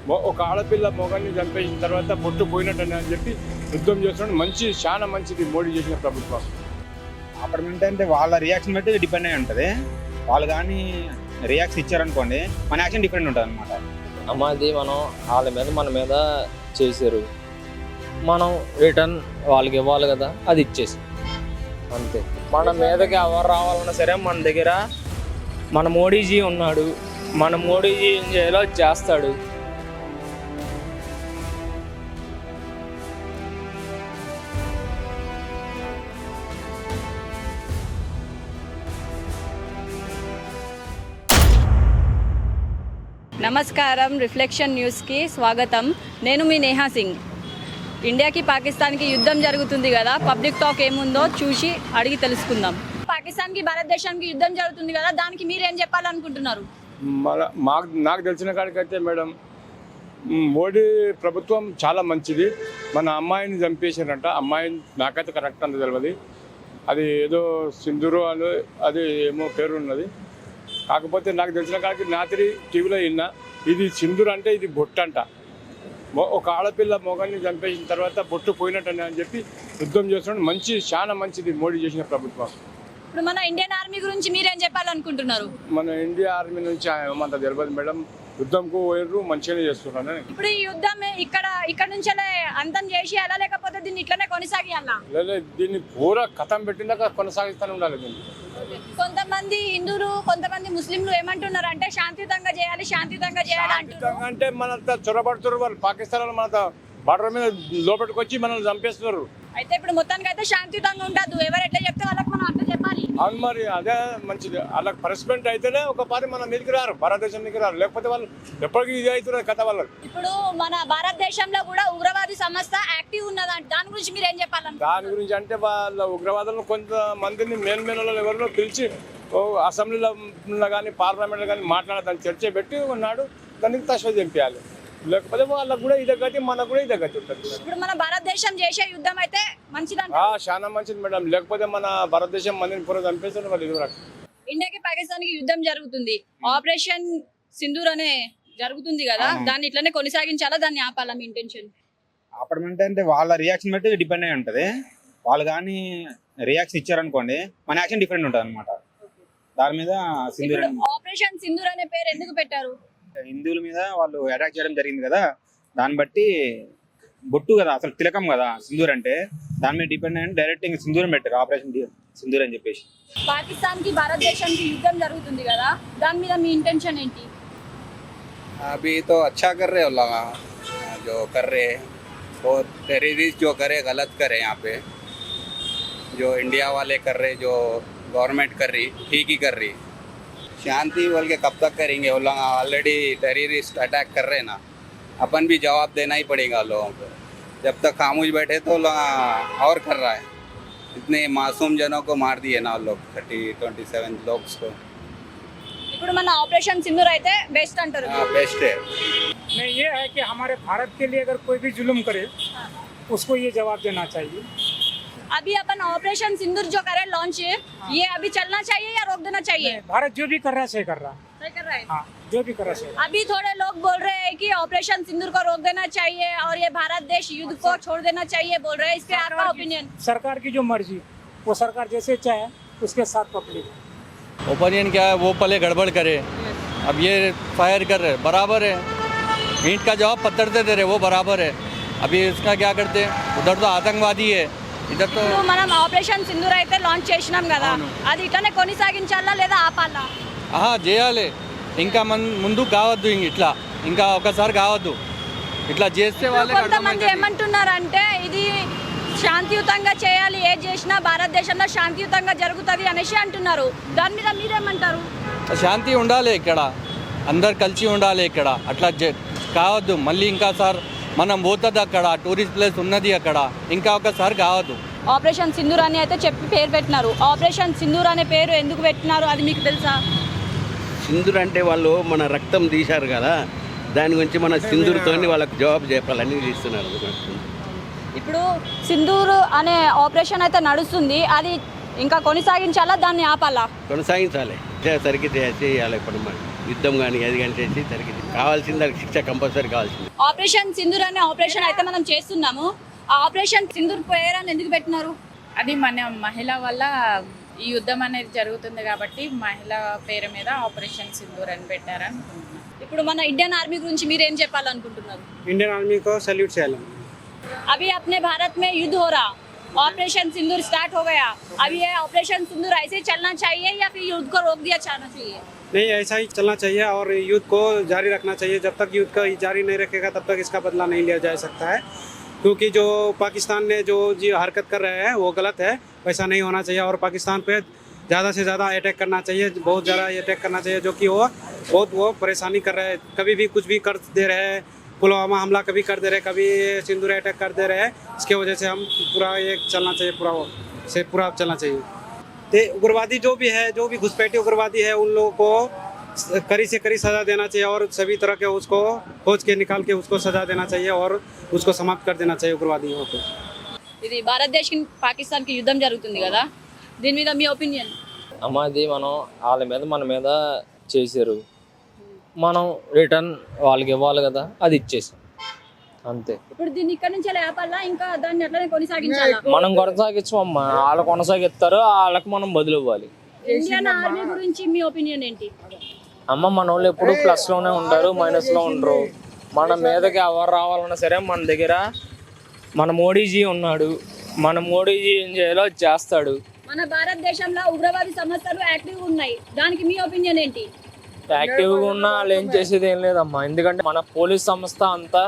ఒక ఆడపిల్ల మొగాన్ని చంపేసిన తర్వాత బొట్టు పోయినట్టని అని చెప్పి యుద్ధం చేస్తున్నాడు. చాలా మంచిది మోడీ చేసిన ప్రభుత్వం. అప్పుడు అంటే వాళ్ళ రియాక్షన్ బట్టి డిపెండ్ అయి ఉంటుంది. వాళ్ళు కానీ రియాక్షన్ ఇచ్చారనుకోండి మన యాక్షన్ డిఫరెంట్ ఉంటుంది అనమాట. అమ్మాది మనం వాళ్ళ మీద మన మీద చేశారు, మనం రిటర్న్ వాళ్ళకి ఇవ్వాలి కదా, అది ఇచ్చేసి అంతే. మన మీదకి ఎవరు రావాలన్నా సరే మన దగ్గర మన మోడీజీ ఉన్నాడు. మన మోడీజీ ఏం చేయాలో అది చేస్తాడు. నమస్కారం, రిఫ్లెక్షన్ న్యూస్కి స్వాగతం. నేను మీ నేహా సింగ్. ఇండియాకి పాకిస్తాన్కి యుద్ధం జరుగుతుంది కదా, పబ్లిక్ టాక్ ఏముందో చూసి అడిగి తెలుసుకుందాం. పాకిస్తాన్కి భారతదేశానికి యుద్ధం జరుగుతుంది కదా, దానికి మీరేం చెప్పాలనుకుంటున్నారు? నాకు తెలిసిన కాడికైతే మేడం, మోడీ ప్రభుత్వం చాలా మంచిది. మన అమ్మాయిని చంపేశారంట. అమ్మాయిని నాకైతే కరెక్ట్ అంత తెలియదు. అది ఏదో సింధూరు అని అది ఏమో పేరు ఉన్నది. కాకపోతే నాకు తెలిసిన కాడికి రాత్రి టీవీలో విన్నా, ఇది సింధూరు అంటే ఇది బొట్టు అంట. ఒక ఆడపిల్ల మొగాన్ని చంపేసిన తర్వాత బొట్టు పోయినట్టని అని చెప్పి యుద్ధం చేస్తున్నాడు. చాలా మంచిది మోడీ చేసిన ప్రభుత్వం. ఇప్పుడు మన ఇండియన్ ఆర్మీ గురించి మీరేం చెప్పాలనుకుంటున్నారు? మన ఇండియా ఆర్మీ నుంచి ఏమంత తెలియదు మేడం. యుద్ధంకు పోయిర్రు, మంచిగానే చేస్తున్నాను. ఇప్పుడు ఈ యుద్ధం ఇక్కడ నుంచే అంతం చేసేయాలా, లేకపోతే దీన్ని ఇట్లనే కొనసాగియాలా? లేదా దీన్ని పూరా కథం పెట్టినాక కొనసాగిస్తూనే ఉండాలి. దీన్ని కొంతమంది హిందువులు, కొంతమంది ముస్లింలు ఏమంటున్నారు అంటే శాంతియుతంగా చేయాలి అంటున్నారు. అంటే మనంతా చొరబడుతున్నారు వాళ్ళు. పాకిస్తాన్ వాళ్ళు మన బార్డర్ మీద లోపలికి వచ్చి మనల్ని చంపేస్తున్నారు. అయితే ఇప్పుడు మొత్తానికి అయితే శాంతియుతంగా ఉండదు. ఎవరు ఎట్లా చెప్తే వాళ్ళకి మనం అట్లా చెప్పాలి. అవును, మరి అదే మంచిది. వాళ్ళకి పనిష్మెంట్ అయితేనే ఒక పారి మన మీదకి రారు, భారతదేశం మీదకి రారు. లేకపోతే వాళ్ళు ఎప్పటికీ ఇది అవుతున్నారు కథ వాళ్ళకి. ఇప్పుడు మన భారతదేశంలో కూడా ఉగ్రవాది సంస్థ యాక్టివ్ ఉన్నదంట, దాని గురించి మీరు ఏం చెప్పాలంటే? దాని గురించి అంటే వాళ్ళ ఉగ్రవాదులను కొంతమందిని మెయిన్ ఎవరినో పిలిచి అసెంబ్లీలో కానీ పార్లమెంట్లో కానీ మాట్లాడాలని చర్చ పెట్టి ఉన్నాడు. దానికి తశ్వ చంపేయాలి. లేకపోతే వాళ్ళకు కూడా ఇదే గతి, మనకు కూడా ఇదే గతి ఉంటుంది. ఇప్పుడు మన భారతదేశం చేసే యుద్ధం అయితే మంచిదంట. చాలా మంచిది మేడం. లేకపోతే మన భారతదేశం మందిని పూర్వ చంపేస్తారు వాళ్ళు. ఇది ఇండియాకి పాకిస్తాన్కి యుద్ధం జరుగుతుంది, ఆపరేషన్ సింధూర్ అనే జరుగుతుంది కదా, దాన్ని ఇట్లనే కొనసాగించాలా, దాన్ని ఆపాలా? మీ ఇంటెన్షన్? అప్పుడు అంటే వాళ్ళ రియాక్షన్ బట్టి డిపెండ్ అయి ఉంటుంది. వాళ్ళు కానీ రియాక్షన్ ఇచ్చారనుకోండి మన యాక్షన్ డిఫరెంట్ ఉంటుంది అనమాట. దాని మీద సింధూర్ ఆపరేషన్ సింధూర్ అనే పేరు ఎందుకు పెట్టారు? హిందువుల మీద వాళ్ళు అటాక్ చేయడం జరిగింది కదా, దాన్ని బట్టి బొట్టు కదా, అసలు తిలకం కదా సింధూర్ అంటే. దాని మీద డిపెండ్ అయ్యి డైరెక్ట్ ఇంకా సింధూరం పెట్టారు, ఆపరేషన్ సింధూర్ అని చెప్పేసి. పాకిస్తాన్ కి భారతదేశానికి యుద్ధం జరుగుతుంది కదా, దాని మీద మీ ఇంటెన్షన్ ఏంటి? अभी तो अच्छा कर रहे हो लगा जो कर रहे वो टेररिस्ट जो करे गलत करे यहाँ पे, जो इंडिया वाले कर रहे, जो गवर्नमेंट कर रही ठीक ही कर रही. शांति बोल के कब तक करेंगे? वो लोग ऑलरेडी टेररिस्ट अटैक कर रहे हैं ना, अपन भी जवाब देना ही पड़ेगा लोगों को. जब तक खामोश बैठे तो लोग और कर रहा है. इतने मासूम जनों को मार दिए ना लोग, 27 लोग को. ఇప్పుడు మన ఆపరేషన్ సింధూర్ అయితే బెస్ట్ అంటారు. बेस्ट है. नहीं, ये है कि हमारे भारत के लिए अगर कोई भी जुल्म करे उसको ये जवाब देना चाहिए. अभी अपन ऑपरेशन सिंदूर जो करे लॉन्च, ये अभी चलना चाहिए या रोक देना चाहिए? भारत जो भी कर रहा है सही कर रहा है. सही कर रहा है. हाँ, जो भी कर रहा है सही. अभी थोड़े लोग बोल रहे हैं कि ऑपरेशन सिंदूर को रोक देना चाहिए और ये भारत देश युद्ध को छोड़ देना चाहिए बोल रहे हैं. इस पे आपका ओपिनियन? सरकार की जो मर्जी, वो सरकार जैसे चाहे उसके साथ पब्लिक. ओपिनियन क्या है? वो पहले गड़बड़ करे, अब ये फायर कर रहे, बराबर है. ईंट का जवाब पत्थर से दे रहे, वो बराबर है. अभी इसका क्या करते हैं? उधर तो आतंकवादी है, इधर तो. మనం ఆపరేషన్ సింధూర్ అయితే లాంచ్ చేసినాం కదా, అది ఇట్లానే కొనసాగించాలా లేదా ఆపాలా? చేయాలి. ఇంకా ముందు కావద్దు, ఇట్లా ఇంకా ఒకసారి కావద్దు. ఇట్లా చేస్తే వాళ్ళే. కొంతమంది ఏమంటున్నారంటే ఇది శాంతియుతంగా చేయాలి, ఏది చేసినా భారతదేశంలో శాంతియుతంగా జరుగుతుంది అనేసి అంటున్నారు. దాని మీద మీరేమంటారు? శాంతి ఉండాలి ఇక్కడ, అందరు కలిసి ఉండాలి ఇక్కడ. అట్లా కావద్దు. మళ్ళీ ఇంకా సార్ మనం పోతుంది అక్కడ, టూరిస్ట్ ప్లేస్ ఉన్నది అక్కడ, ఇంకా ఒకసారి కావద్దు. ఆపరేషన్ సింధూర్ అని అయితే చెప్పి పేరు పెట్టినారు. ఆపరేషన్ సింధూర్ అనే పేరు ఎందుకు పెట్టినారు అది మీకు తెలుసా? సింధూర్ అంటే వాళ్ళు మన రక్తం తీశారు కదా, దాని గురించి మన సింధూర్తో వాళ్ళకి జవాబు చెప్పాలని ఇస్తున్నారు. ఇప్పుడు సింధూర్ అనే ఆపరేషన్ అయితే నడుస్తుంది, అది ఇంకా కొనసాగించాలా, దాన్ని ఆపాలా? కొనసాగించాలి, సరికి చేయాలి. ఇప్పుడు యుద్ధం కానీ అది కానీ చేసి జరిగింది. కావాల్సింది దానికి శిక్ష కంపల్సరీ కావాల్సింది. ఆపరేషన్ సింధూర్ అనే ఆపరేషన్ అయితే మనం చేస్తున్నాము. ఆ ఆపరేషన్ సింధూర్ పేరని ఎందుకు పెట్టినారు? అది మన మహిళ వల్ల ఈ యుద్ధం అనేది జరుగుతుంది కాబట్టి మహిళ పేరు మీద ఆపరేషన్ సింధూర్ అని పెట్టారనుకుంటున్నాను. ఇప్పుడు మన ఇండియన్ ఆర్మీ గురించి మీరు ఏం చెప్పాలనుకుంటున్నారు? इंडियन आर्मी को सैल्यूट चाहिए. अभी अपने भारत में युद्ध हो रहा, ऑपरेशन सिंदूर स्टार्ट हो गया. अब ये ऑपरेशन सिंदूर ऐसे ही चलना चाहिए या फिर युद्ध को रोक दिया जाना चाहिए? नहीं, ऐसा ही चलना चाहिए और युद्ध को जारी रखना चाहिए. जब तक युद्ध को जारी नहीं रखेगा तब तक इसका बदला नहीं लिया जा सकता है, क्योंकि जो पाकिस्तान ने जो हरकत कर रहे हैं वो गलत है. वैसा नहीं होना चाहिए और पाकिस्तान पे ज़्यादा से ज़्यादा अटैक करना चाहिए, बहुत ज़्यादा अटैक करना चाहिए, जो कि वो परेशानी कर रहे हैं. कभी भी कुछ भी कर दे रहे हैं, पुलवामा हमला कभी कर दे रहे, कभी सिंदूर अटैक कर दे रहे हैं. इसके वजह से हम पूरा ये चलना चाहिए, पूरा चलना चाहिए. तो उग्रवादी जो भी है, जो भी घुसपैठी उग्रवादी है, उन लोगों को कड़ी से कड़ी सज़ा देना चाहिए और सभी तरह के उसको खोज के निकाल के उसको सज़ा देना चाहिए और उसको समाप्त कर देना चाहिए उग्रवादियों को. ఇది భారతదేశం పాకిస్తాన్కి యుద్ధం జరుగుతుంది కదా, దీని మీద మీ ఒపీనియన్? అమ్మ అది మనం వాళ్ళ మీద మన మీద చేశారు, మనం రిటర్న్ వాళ్ళకి ఇవ్వాలి కదా, అది ఇచ్చేసాం అంతే. ఇప్పుడు దీన్ని ఇక్కడ నుంచి లేపాలా, ఇంకా దాన్ని ఎట్లనే కొనసాగించాలా? మనం కొనసాగించమమ్మ, వాళ్ళు కొనసాగిస్తారు, వాళ్ళకి మనం బదులు ఇవ్వాలి. ఇండియన్ ఆర్మీ గురించి మీ ఒపీనియన్ ఏంటి? అమ్మ మన వాళ్ళు ఎప్పుడు ప్లస్లోనే ఉంటారు, మైనస్లో ఉండరు. మన మీదకి ఎవరు రావాలన్నా సరే మన దగ్గర మన మోడీజీ ఉన్నాడు, మన మోడీజీ ఏం చేయాలో చేస్తాడు. మన భారతదేశంలో ఉగ్రవాది సంస్థలు యాక్టివ్ ఉన్నాయి, దానికి మీ ఒపీనియన్ ఏంటి? యాక్టివ్గా ఉన్నా వాళ్ళు ఏం చేసేది ఏం లేదమ్మా, ఎందుకంటే మన పోలీస్ సంస్థ అంతా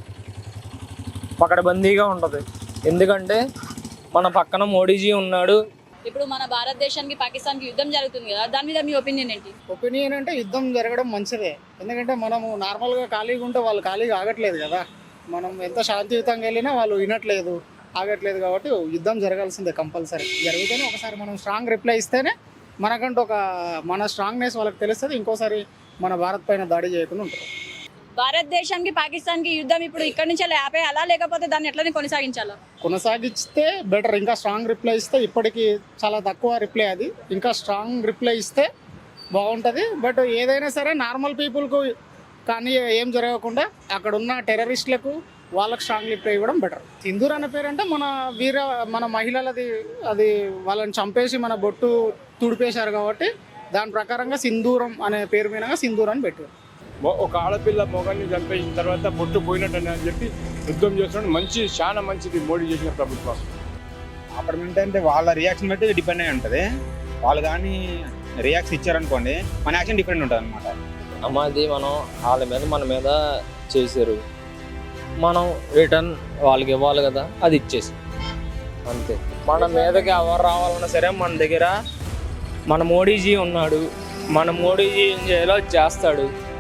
పకడ్బందీగా ఉంటుంది. ఎందుకంటే మన పక్కన మోడీజీ ఉన్నాడు. ఇప్పుడు మన భారతదేశానికి పాకిస్తాన్కి యుద్ధం జరుగుతుంది కదా, దాని మీద మీ ఒపీనియన్ ఏంటి? ఒపీనియన్ అంటే యుద్ధం జరగడం మంచిదే, ఎందుకంటే మనము నార్మల్గా ఖాళీగా ఉంటే వాళ్ళు ఖాళీగా ఆగట్లేదు కదా. మనం ఎంత శాంతియుతంగా వెళ్ళినా వాళ్ళు వినట్లేదు, ఆగట్లేదు. కాబట్టి యుద్ధం జరగాల్సిందే కంపల్సరీ. జరిగితేనే ఒకసారి మనం స్ట్రాంగ్ రిప్లై ఇస్తేనే మనకంటూ మన స్ట్రాంగ్నెస్ వాళ్ళకి తెలుస్తుంది, ఇంకోసారి మన భారత్ పైన దాడి చేయకుండా ఉంటారు. భారతదేశానికి పాకిస్తాన్కి యుద్ధం ఇప్పుడు ఇక్కడ నుంచి ఆపేయాలా, లేకపోతే దాన్ని ఎట్లనే కొనసాగించాలా? కొనసాగిస్తే బెటర్. ఇంకా స్ట్రాంగ్ రిప్లై ఇస్తే, ఇప్పటికీ చాలా తక్కువ రిప్లై అది, ఇంకా స్ట్రాంగ్ రిప్లై ఇస్తే బాగుంటుంది. బట్ ఏదైనా సరే నార్మల్ పీపుల్కు కానీ ఏం జరగకుండా అక్కడ ఉన్న టెర్రరిస్టులకు వాళ్ళకి స్ట్రాంగ్ రిప్లై ఇవ్వడం బెటర్. సింధూర్ అనే పేరు అంటే మన మహిళలది, అది వాళ్ళని చంపేసి మన బొట్టు తుడిపేశారు కాబట్టి దాని ప్రకారంగా సింధూరం అనే పేరు మీదగా సింధూర్ అని పెట్టారు. ఒక ఆడపిల్ల మొగాన్ని చంపేసిన తర్వాత బొట్టు పోయినట్టని అని చెప్పి యుద్ధం చేస్తున్నాడు. చాలా మంచిది మోడీ చేసిన ప్రభుత్వం. అప్పుడు అంటే వాళ్ళ రియాక్షన్ బట్టి డిపెండ్ అయి ఉంటుంది. వాళ్ళు కానీ రియాక్షన్ ఇచ్చారనుకోండి, మన యాక్షన్ డిపెండ్ ఉంటుంది అనమాట. అమ్మ అది మనం వాళ్ళ మీద మన మీద చేశారు, మనం రిటర్న్ వాళ్ళకి ఇవ్వాలి కదా, అది ఇచ్చేసాం అంతే. మన మీదకి ఎవరు రావాలన్నా సరే మన దగ్గర మన మోడీజీ ఉన్నాడు, మన మోడీజీ ఏం చేయాలో చేస్తాడు.